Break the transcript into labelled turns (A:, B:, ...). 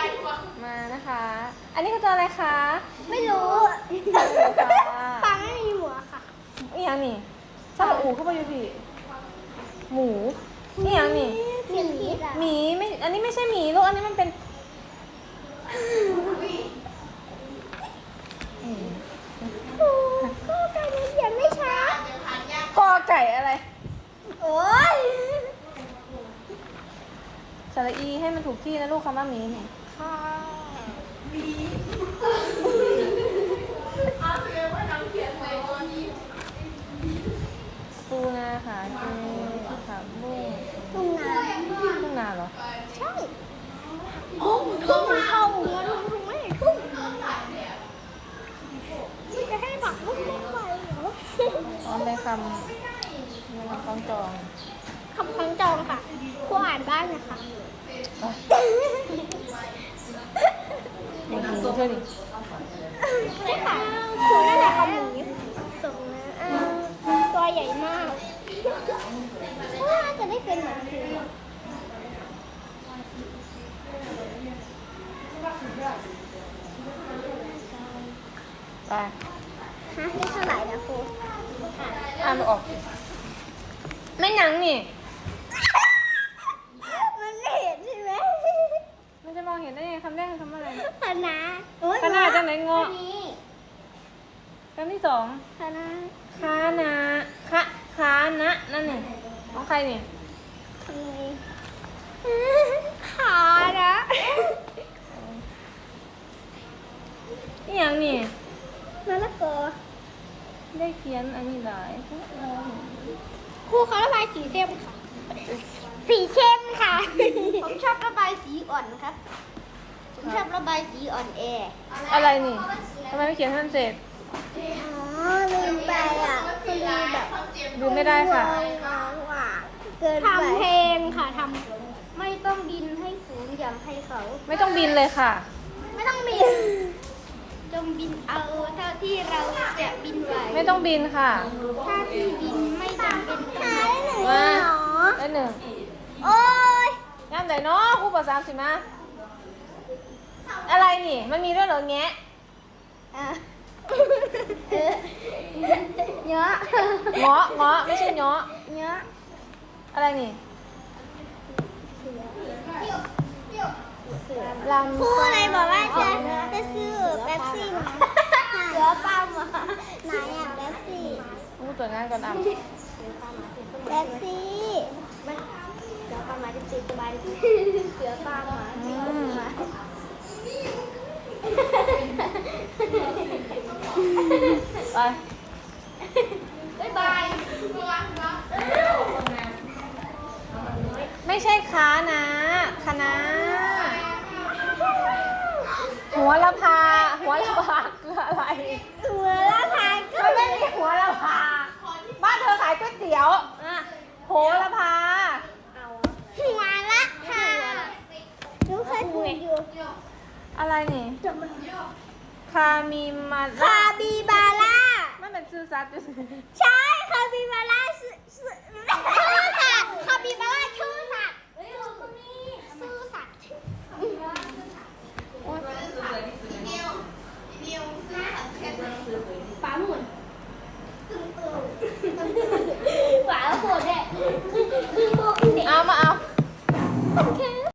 A: มานะคะ อันนี้คือตัวอะไรคะ
B: ไม่รู้
A: ป
B: ปลาไม่มีหัวค่ะ
A: นี่ยังนี่ซาบะอูเข้าไปอยู่พี่หมูนี่ยังนี่
B: เขียนผิดอ่ะ
A: หมีไม่ อันนี้ไม่ใช่หมีลูก อันนี้มันเป็น
B: ก็ไก่เขียนไม่ชัด
A: กอไก่อะไร
B: โอ้ย
A: สระอีให้มันถูกที่นะลูกคำว่าหมีเนี่ย
B: ค่ะ
A: ปูนาค่ะเจผักบุ้ง
B: ทุ่งนา
A: ทุ่งนาเหรอ
B: ใช่ทุ่งเข้าเงินทุ่งไม่ทุ่งไม่จะให้ผักบุ้งไม่ไหวเหรอ
A: อ๋อเป็นคำคล้องจอง
B: คำคล้องจองค่ะครูอ่านบ้างนะคะ
A: อย่างนี้ใช่ดิ
B: ใช่ค่ะครูน่าจะเอาหมูส่งนะตัวใหญ่มากว่าจะได้เป็นเหมือนครู
A: ไป
B: ฮะนี่เท่าไหร่นะครู
A: อ่านไม่ออกไม่หนังนี่
B: มันไม่เห็นใช่ไหม
A: มันจะมองเห็นได้ยังไงคำแรกคือคำอะไร
B: คณะ
A: คณะจากไหนงอ
B: นี้
A: คำที่สอง
B: คณะ
A: คานาคานะนั่นนี่ของใครนี่
B: ทำไงขานะ
A: นี่ยังนี่
B: มะละกอ
A: ได้เขียนอันนี้หลาย
B: ครูเขาระบายสีเข้มค่ะ สีเข้มค่ะ ผมชอบระบายสีอ่อนครับ ผมชอบระบายสีอ่อนแอ
A: อะไรนี่ทำไมไม่เขียนให้มันเสร็จ
B: อ๋อลืมไปอ่ะคือลืมแบบ
A: ดูไม่ได้ค่ะ
B: เกินไปทำเพลงค่ะทำไม่ต้องบินให้สูงอย่างใครเขา
A: ไม่ต้องบินเลยค่ะ
B: ไม่ต้องบิน จงบินเอาเท่าที่เราจะบินไหว
A: ไม่ต้องบินค่ะ
B: ถ้าที่บินไม่จำเป็นต้องบิน
A: มาได้หนึ่ง
B: โอ้ย
A: งานไหนเนาะครูบอก30มาอะไรนี่ มันมีด้วยเหรอแงะ
B: อ่ะเยอะ
A: เงาะไม่ใช่เงาะ
B: เยอะ
A: อะไรนี่ลำ
B: ครูอะไรบอกว่าจะซื้อเป๊ปซี่มาเสือป้ามาไหนอ่ะเป๊ปซี่
A: ครูตรวจงานก่อนอ่ะ
B: เป๊ปซี่เสือป้ามาจะติดสบายเสือป้ามาติดสบาย
A: ไป
B: บ๊ายบาย
A: ไม่ใช่ค้านะคณะหัวละพาคืออะไร
B: หัวละพาก็
A: มันไม่มีหัวละพาบ้านเธอขายก๋วยเตี๋ยวโหระพา
B: หัวละพาหนูเคยถูกอยู่
A: อะไรนี่คามิมา
B: คาบิบาร่า
A: มันเป็นชื่อซัดอยู่
B: ใช่คาบิบาร่าชื่อค่ะคาบิบาร่าชื่อ